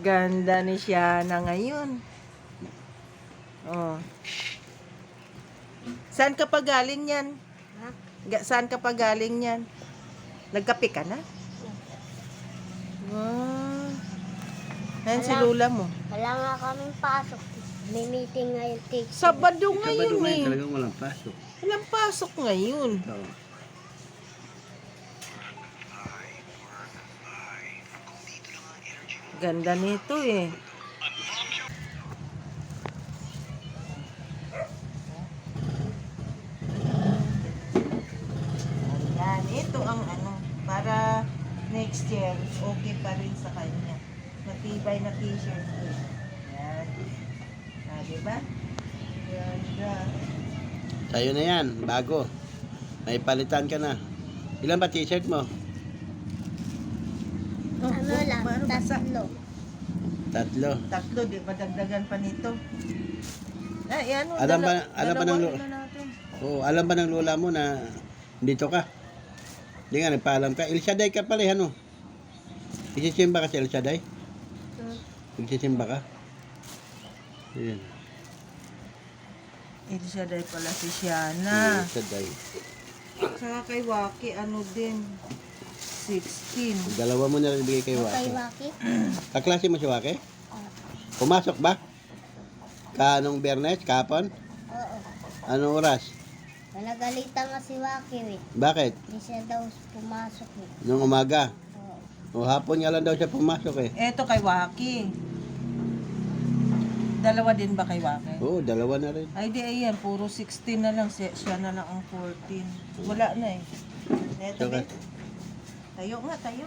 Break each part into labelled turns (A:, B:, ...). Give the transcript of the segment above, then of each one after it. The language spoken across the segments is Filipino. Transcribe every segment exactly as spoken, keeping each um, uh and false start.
A: Ganda ni Shiana ngayon. Oh. Saan ka pa galing yan?
B: Ha?
A: Ga- Saan ka pa galing yan? Nagkape ka na? Wow. Ayan si
B: Wala.
A: Lula mo.
B: Wala nga kaming pasok. May meeting ngayon, teacher.
A: Sabado
C: Sabado
A: ngayon
C: ngayon
A: eh.
C: talagang walang pasok.
A: Walang pasok ngayon.
C: Oo.
A: Ganda nito eh. Ayan, ito ang ano, para next year, okay pa rin sa kanya. Matibay na t-shirt ko. Ayan. Ah, diba? Ganda.
C: Sa'yo na yan, bago. May palitan ka na. Ilan ba t-shirt mo?
A: Oh,
B: Ano
A: oh,
B: lang,
A: paano basa?
B: tatlo.
C: Tatlo.
A: Tatlo, di ba dagdagan pa nito? Ay, ano,
C: Alam ba-
A: dala-
C: alam ba ng
A: dalawa
C: lo-
A: na natin.
C: Oo, alam ba ng lola mo na dito ka? Hindi nga, nagpaalam ka. El Shaddai ka pala, ano? Isisimba ka sa El Shaddai?
B: Hmm.
C: Nagsisimba ka? Ayan.
A: Ito siya dahil pala si
C: El
A: Shiana.
C: Shaddai.
A: Saka kay Waki, ano din, sixteen.
C: Dalawa mo na rin bigay kay
B: Kay
C: Waki.
B: Waki?
C: Kaklase mo si Waki?
B: Oo.
C: Pumasok ba? Kanong Bernes? Kapon?
B: Oo.
C: Anong oras?
B: Nagalitan nga si Waki eh.
C: Bakit?
B: Hindi siya daw pumasok eh.
C: Nung umaga?
B: Oo.
C: O hapon nga lang daw siya pumasok eh.
A: Eto kay Waki. Dalawa din ba kay Waki?
C: Oo, dalawa na rin.
A: Ay di ayan, puro sixteen na lang. Siya, siya na lang ang fourteen. Wala na eh. Eto
C: Okay.
A: ba? Tayo nga, tayo.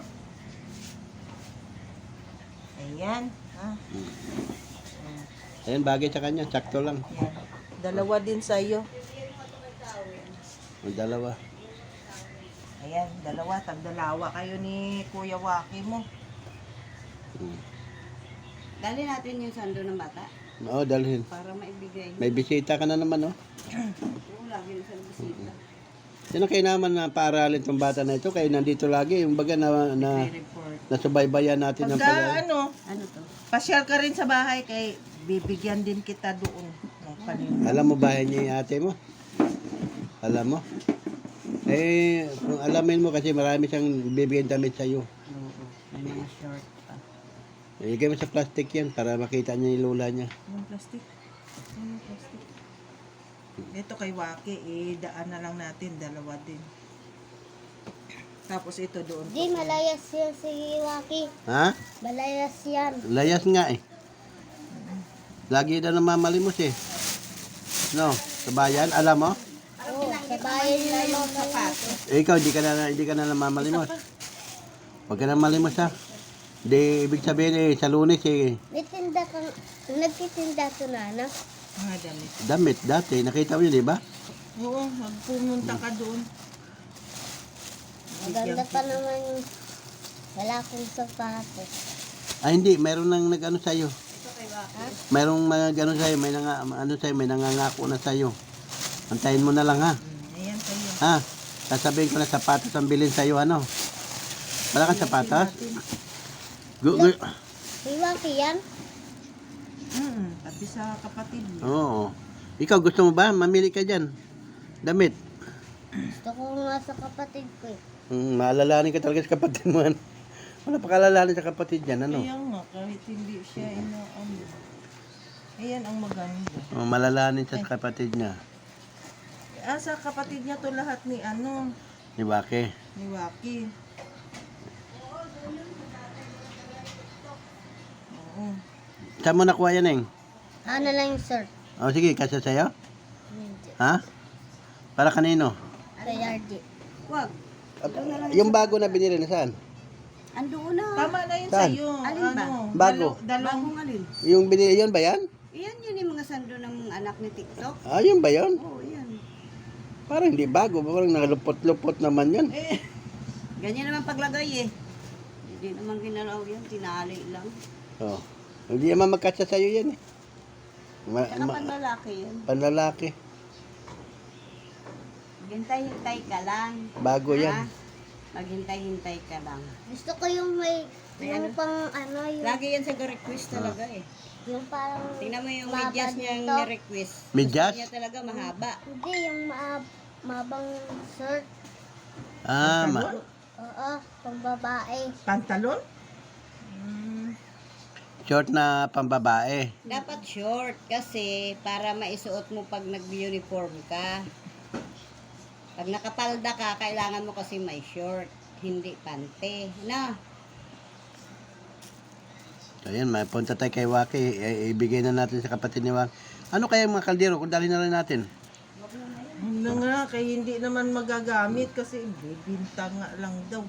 A: Ayan. Ha?
C: Ayan, bagay sa kanya. Sakto lang.
A: Ayan. Dalawa din sa'yo.
C: O, dalawa.
A: Ayan, dalawa. Tagdalawa kayo ni Kuya Waki mo.
C: Hmm.
D: Dali natin yung sando ng bata
C: Oo, dalhin.
D: para maibigay niyo.
C: May bisita ka na naman, oh.
D: Oo, lagi na sa bisita.
C: Yan ang kainaman na paaralin tong bata na ito. Kaya nandito lagi. Yung baga na, na
A: Report.
C: nasubaybayan natin ng
A: Pagka
C: pag
A: ano,
D: Ano to?
A: pasyal ka rin sa bahay kay bibigyan din kita doon. ng panin-
C: Alam mo bahay niya yung ate mo? Alam mo? Eh, kung alamin mo kasi marami siyang bibigyan damit sa'yo.
D: Oo, may mga short pa.
C: Ilagay mo sa plastic yan para makita niya yung lola niya.
A: Yung plastic. Yung plastic. Ito kay Waki, eh, daan na lang natin, dalawa din. Tapos ito doon.
B: Di, malayas yan si Waki.
C: Ha?
B: Malayas yan.
C: Layas nga eh. Lagi na namamalimos eh. No, sa bayan, alam mo?
B: Oo, sa bayan na mga sapatos.
C: Eh, ikaw, hindi ka na, hindi ka na namamalimos. Huwag ka na malimos ha. Hindi, ibig sabihin eh, sa Lunes eh,
B: May tinda kang, nagtitinda to na, no?
A: Mga damit.
C: damit dati. Nakita mo yun, di ba?
A: Oo, magpumunta ka doon.
B: Maganda pa naman yung wala akong sapatos.
C: Ah, hindi. Mayroon nang nag-ano sa'yo.
B: Ha?
C: Mayroong mga gano sa'yo. May, nanga, ano sa'yo, may nangangako na sa'yo. Antayin mo na lang ha.
A: Hmm, ayan kayo.
C: Ha? Sasabihin ko na sapatos ang bilhin sa'yo, ano? Wala kang sapatos? Gu- gu-
B: Si Waki yan?
A: Hmm, tabi sa kapatid mo.
C: Oo. Ikaw, gusto mo ba? Mamili ka dyan. Damit.
B: Gusto ko nga sa kapatid ko eh.
C: Mm, maalalahanin ka talaga sa kapatid mo. ano? Wala pa kalalahanin sa kapatid dyan, ano?
A: Kaya nga, kahit hindi siya inaano. Ayan ang maganda.
C: Oh, malalahanin sa kapatid niya.
A: Ah, sa kapatid niya to lahat ni ano,
C: Di ba, ke?
A: ni Waki. Oo.
C: Saan mo nakuha yan, Eng?
B: Ano lang yung shirt?
C: Oh, sige, kasya sa'yo?
B: Hindi.
C: Ha? Para kanino?
B: Kay R J.
D: Wag.
C: Yung bago na binili na saan?
D: Andoon na.
A: Tama na yun
C: Saan?
A: sa'yo.
D: Alin ba?
A: Ano,
C: Bago.
A: dalo- dalawang,
D: Bagong alin?
C: Yung binili, yun ba yan?
D: Iyan yun yung mga sando ng mga anak ni TikTok.
C: Ah, yun ba yun?
D: Oo, yan.
C: Parang hindi bago. Parang nakalupot-lupot naman yun.
A: eh,
D: Ganyan naman paglagay eh. Hindi naman ginalaw yan, tinali lang.
C: Oh. Hindi naman magkasya sa'yo yan eh. Ma-
D: Saka
C: ma-
D: panlalaki yan.
C: panlalaki.
D: Hintay-hintay ka lang.
C: Bago yan.
D: Ha? Maghintay-hintay ka lang.
B: Gusto ko yung may,
D: May
B: yung
D: ano?
B: pang ano, yung,
D: Lagi yan sa request talaga eh.
B: yung parang,
D: Tingnan mo yung
B: mahaba
D: medyas niyang
B: dito.
D: ni-request.
C: Medyas?
D: Gusto niya talaga mahaba.
B: Hindi, yung maab, mabang shirt.
C: Ah, ma.
B: Oo, pang babae.
A: Pantalon? Mm.
C: Short na pambabae.
D: Dapat short kasi para maisuot mo pag nag-uniform ka. Pag nakapalda ka, kailangan mo kasi may short, hindi pante. Na,
C: So, ayan, may punta tayo kay Waki. I- ibigay na natin sa kapatid ni Waki. Ano kaya yung mga kaldero kung dali na rin natin?
A: Ano nga, kaya hindi naman magagamit kasi bibinta nga lang daw.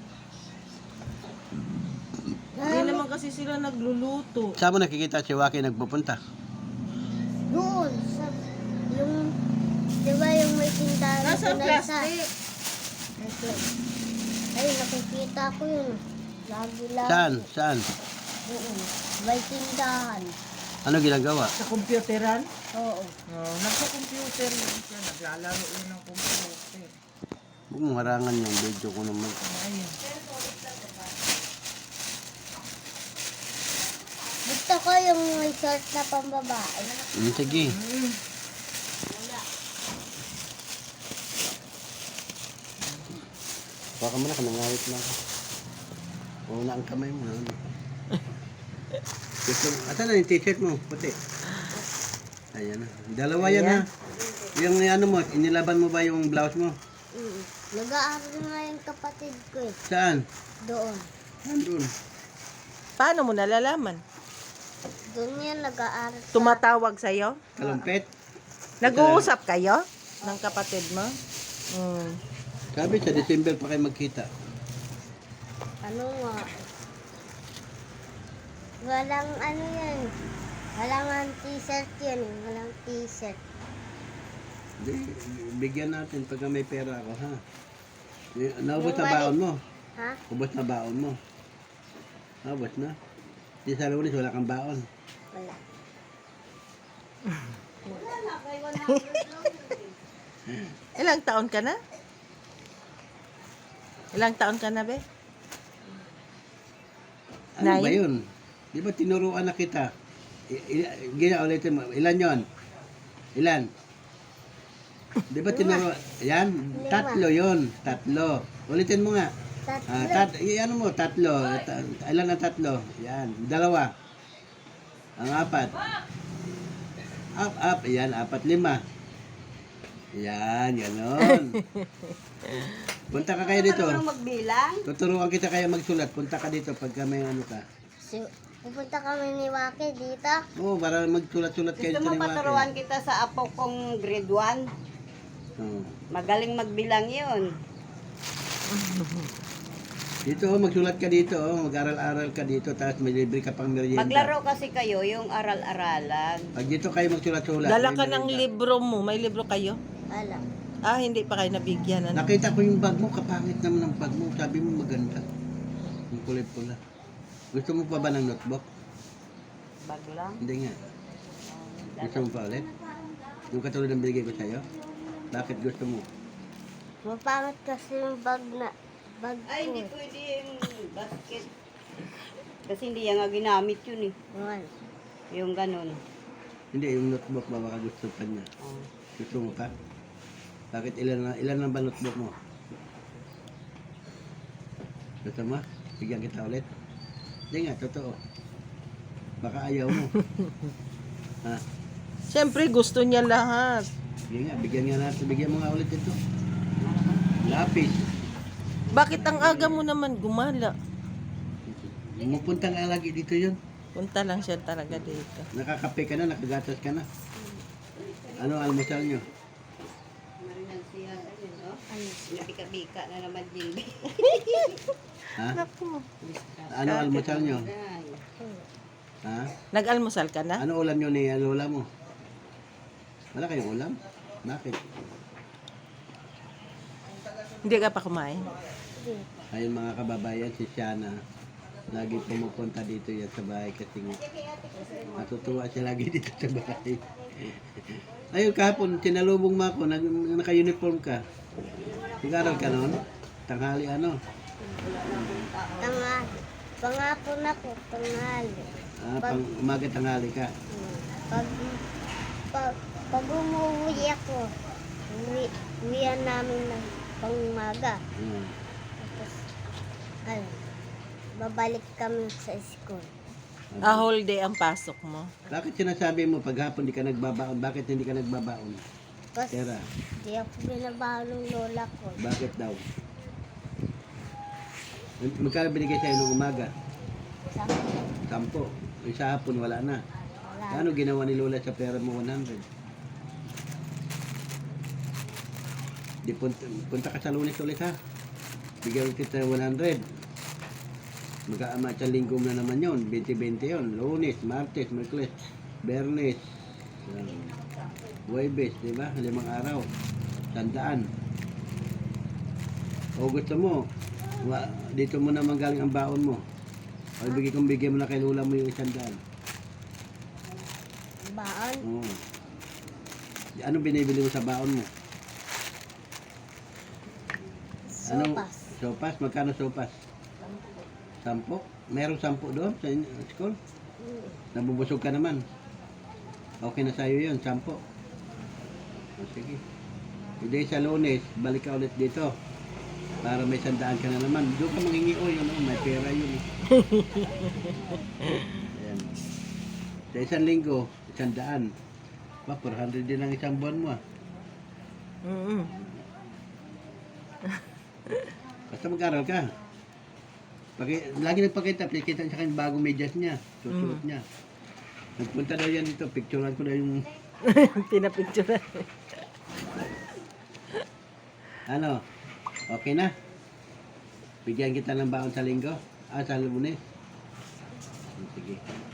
A: Hindi naman kasi sila nagluluto.
C: Saan mo nakikita si Waki nagpupunta?
B: Doon, sa, yung, di ba yung may tindahan
A: Nasa
B: doon na isa?
A: plastic.
B: Ito. Ay, nakikita ko yun. Lagi lang.
C: Saan? Saan?
B: Oo, may tindahan.
C: Ano ginagawa?
A: Sa computeran?
B: Oo.
A: Oh, nasa computer yun siya. Naglalaro yun ng computer.
C: Huwag mong harangan yung video ko naman.
A: Ayun.
B: Gusto ko yung may short na pambabae.
C: Hmm, sige.
A: Mm.
C: Baka mo na, kanangawit na ako. Una ang kamay mo. Ano? Gusto mo. Asa na yung t-shirt mo? Puti. Ayan na. Dalawa yan ha. Yung ano mo, inilaban mo ba yung blouse mo?
B: Mm. Nag-aaral nga yung kapatid ko eh.
C: Saan?
B: Doon.
C: Nandun.
A: Paano mo nalalaman?
B: Doon yan nag-aaral. sa-
A: Tumatawag sa'yo?
C: Kalumpet.
A: Nag-uusap kayo ng kapatid mo? Mm.
C: Sabi sa December pa kayo magkita.
B: Ano nga? Walang ano yan. Walang ang t-shirt yan. eh. Walang t-shirt.
C: Hindi, bigyan natin pag may pera ako ha. Eh, Naubos
B: Yung
C: na
B: mali-
C: baon mo.
B: Ha?
C: Ubos na baon mo. Naubos na. Di sa lunes wala kang baon.
B: Wala.
A: Ilang taon ka na? Ilang taon ka na, be?
C: Ano ba
A: Nine?
C: yun? Di ba tinuruan na kita? I- i- Gina, ulitin mo. Ilan yon? Ilan? Di ba tinuruan? Yan? Tatlo yon. Tatlo. Ulitin mo nga.
B: Tatlo.
C: Ah, tat, i- ano mo? Tatlo. Ta- ilan ang tatlo? Yan. Dalawa. Ang apat. Up, up. Yan. Apat, lima. Yan. Ganon. Punta ka kayo dito.
D: marunong magbilang.
C: Tuturuan kita kaya magsulat. Punta ka dito pagka may ano ka.
B: Si, pupunta kami ni Waki dito.
C: Oo, para magsulat-sulat kayo
D: Gusto
C: dito
D: mo
C: ni Waki.
D: paturuan kita sa apo kong grade one?
C: Oo.
D: Magaling magbilang yun.
C: Dito, oh, magsulat ka dito. Oh. Mag-aral-aral ka dito. Tapos may libre ka pang merienda.
D: Maglaro kasi kayo, yung aral-aralan.
C: Pag dito kayo magsulat-sulat.
A: Dala
C: may
A: ka ng
C: merienda.
A: libro mo. May libro kayo?
B: Alam.
A: Ah, hindi pa kayo nabigyan. Ano?
C: Nakita ko yung bag mo. Kapangit naman ang bag mo. Sabi mo maganda. Yung kulay pula. Gusto mo pa ba ng notebook?
D: Bag lang.
C: Hindi nga. Gusto mo pa ulit? Yung katulad ng binigay ko sa'yo? Bakit gusto mo?
B: Mapangit kasi yung bag na, bag
D: Ay,
B: ko.
D: hindi pwede yung basket. Kasi hindi yan nga ginamit yun eh.
B: Yun.
D: Yung ganun.
C: Hindi, yung notebook ba baka gusto pa niya?
D: Oh.
C: Gusto mo pa? Bakit ilan na, ilan na ba notebook mo? Gusto mo? Bigyan kita ulit? Hindi nga, totoo. Baka ayaw mo. ha?
A: Siyempre, gusto niya lahat.
C: Sige nga, bigyan nga natin. Bigyan mo nga ulit ito. Lapis.
A: Bakit ang aga mo naman gumala?
C: Pumupunta nga lagi dito yun.
A: Punta lang siya talaga dito.
C: Nakakape ka na, nakagatas ka na. Ano almusal nyo?
D: Marinan siya, ayun, no? Nabika-bika na naman din.
C: Ha?
A: Naku.
C: Ano almusal nyo?
D: Ay.
C: Ha?
A: Nag-almusal ka na?
C: Ano ulam nyo ni lola mo? Wala kayong ulam? Bakit?
A: Hindi ka pa kumain?
C: Ayun mga kababayan, si Shana, lagi pumupunta dito yan sa bahay kasi nga natutuwa siya lagi dito sa bahay. Ayun kahapon, sinalubong mo ako, nag, naka-uniform ka. Nag-aral ka noon? Tanghali ano?
B: Tanghali. Pangako na ko, tanghali.
C: Ah, pang umaga tanghali ka.
B: Hmm. Pag, pag, pag umuwi ako, uwi, uwian namin ng pangumaga.
C: Hmm.
B: Tapos, ano, babalik kami sa school.
A: Ah, whole day ang pasok mo.
C: Bakit sinasabi mo pag hapon di ka nagbabaon? Bakit hindi ka nagbabaon?
B: Kasi
C: Tera,
B: di ako binabaho ng lola ko.
C: bakit daw? Magkano binigay sa'yo nung umaga?
B: Sabi ko,
C: Sampo. Yung sa hapon wala na.
B: wala.
C: Ano ginawa ni Lola sa pera mo one hundred? Di punta, punta ka sa Lunes ulit ha. Bigyan kita one hundred. Magkaama sa linggo na naman yon, twenty twenty yon. Lunes, Martes, Merkules, Bernes, um, Huwebes, di ba? Limang araw. Tandaan. O gusto mo, wa, dito mo naman galing ang baon mo. O bigay kong bigyan mo na kay Lola mo yung isang daan.
B: Baon.
C: Oo. Ano binibili mo sa baon mo? Anong-
B: Sopas.
C: Sopas? Magkano sopas? Sampo? Merong sampo doon sa inyo- school?
B: Hmm.
C: Nabubusog ka naman. Okay na sa'yo yun, sampo. O sige. Hindi sa Lunes, balik ka ulit dito. Para may sandaan ka na naman. Doon ka mangingi, o yun, oh, may pera yun. Eh. Ayan. Sa isang linggo, isang daan. Pa, four hundred din ang isang buwan mo ah.
A: Mm.
C: Basta mag-aral ka. Paki, lagi nagpakita, pikita sa kanya bagong medyas niya. Susuot niya. Nagpunta daw yan dito, picturean ko na yung
A: Pinapicture.
C: ano. Okay na? Bigyan kita ng baon sa linggo? Ah, sa Lunes? Sige.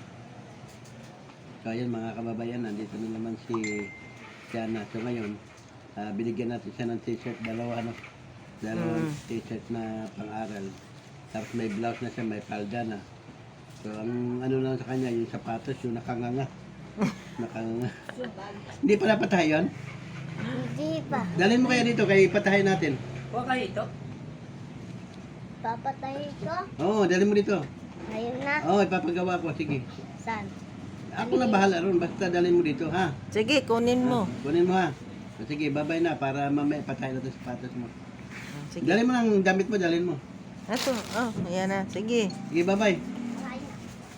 C: So ayan mga kababayan, nandito na naman si Siana. So ngayon, ah, binigyan natin siya ng t-shirt, dalawa ano? Dalawang t-shirt na pang-aral. Tapos may blouse na siya, may palda na. So ang ano lang sa kanya, yung sapatos, yung nakanganga. Nakanganga. Hindi pala patay yun?
B: Hindi pa.
C: Dalhin mo kaya dito, kaya ipatahay natin.
B: Papatay ko.
C: Oo, dalhin mo dito.
B: Ayun na.
C: Oo, ipapagawa ko, sige.
B: Saan?
C: Ako na bahala ron, basta dalhin mo dito, ha?
A: Sige, kunin mo.
C: Kunin mo, ha? O, sige, babay na, para mamaya patay na ito sa sapatos mo.
A: Sige.
C: Dalhin mo ng damit mo, dalhin mo.
A: Ito, oh, ayan na. Sige.
C: Sige, babay.
B: Ayun.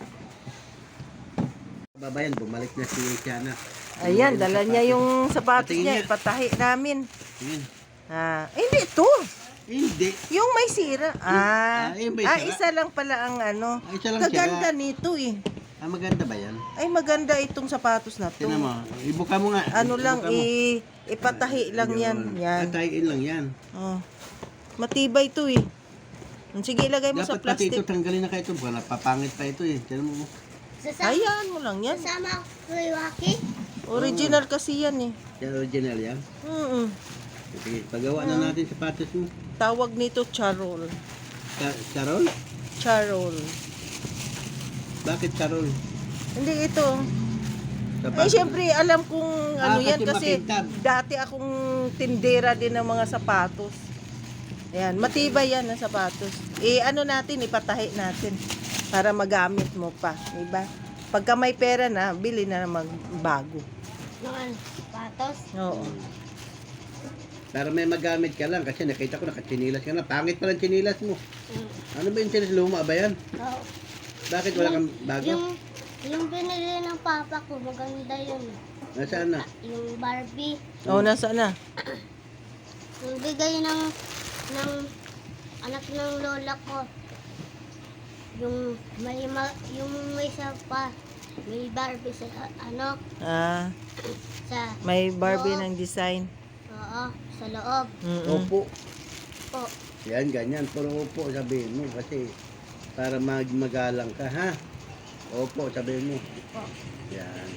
C: Babayan, bumalik na si Siana.
A: Ayan, dala niya yung sapatos
C: Patingin
A: niya.
C: niya.
A: Ipatahi namin.
C: Tingin.
A: Ah, eh, hindi ito.
C: Hindi.
A: Yung may sira. Ah,
C: Ah, yung may
A: ah
C: sira.
A: isa lang pala ang ano.
C: Ay, isa lang
A: Kaganda
C: sira.
A: nito eh.
C: Ah, maganda ba yan?
A: Ay, maganda itong sapatos na to.
C: Tingnan mo, ibuka mo nga.
A: Ano lang,
C: Ibuka mo.
A: i ipatahi lang yan. Yan.
C: Patayin lang yan.
A: Oh. Matibay to eh. Sige, ilagay mo sa
C: Dapat pati ito,
A: plastic.
C: tanggalin na kayo ito. Wala, papangit pa ito eh. Tingnan mo.
B: Sasama,
A: Hayaan mo lang yan.
B: sasama ko kay Waki.
A: Original kasi yan eh.
C: Yan, original yan.
A: Mm.
C: Sige, pagawa na natin sapatos mo.
A: Tawag nito charol.
C: Ka- Carol?
A: Charol.
C: Bakit Carol?
A: Hindi ito. Eh,
C: Sapatos.
A: syempre, alam kong ano
C: Ah,
A: yan
C: kasi
A: kasi
C: makintab.
A: dati akong tindera din ng mga sapatos. Ayan, matibay yan ang sapatos. Eh, ano natin, ipatahi natin para magamit mo pa. Diba? Pagka may pera na, bili na naman bago.
B: Ng ano, patos.
A: Oo.
C: Para may magamit ka lang kasi nakita ko nakachinilas ka na. Pangit pa lang chinilas mo.
B: Mm.
C: Ano ba yung chinilas? Luma ba yan?
B: Oo.
C: Bakit wala kang bago?
B: Yung, yung binili ng papa ko, maganda yun.
C: Nasaan na?
B: Yung Barbie.
A: Oo, nasa na?
B: Yung bigay ng, ng anak ng lola ko. Yung may, ma, yung may isa pa. May Barbie sa, ano,
A: Ah,
B: sa,
A: may Barbie
B: Oo.
A: ng design.
B: oo, sa loob.
A: Mm-mm.
C: Opo.
B: Po.
C: Yan, ganyan. Puro opo sabihin mo kasi para mag magalang ka, ha? Opo, sabihin mo.
B: Po.
C: Yan.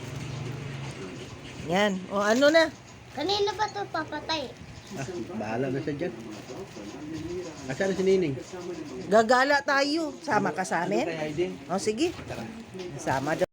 A: Yan. O ano na?
B: Kanina ba to papatay?
C: Ah, bahala na siya dyan. Asan na si Nining?
A: Gagala tayo. Sama ka sa amin?
C: Kay Aiden?
A: O sige. Sama daw.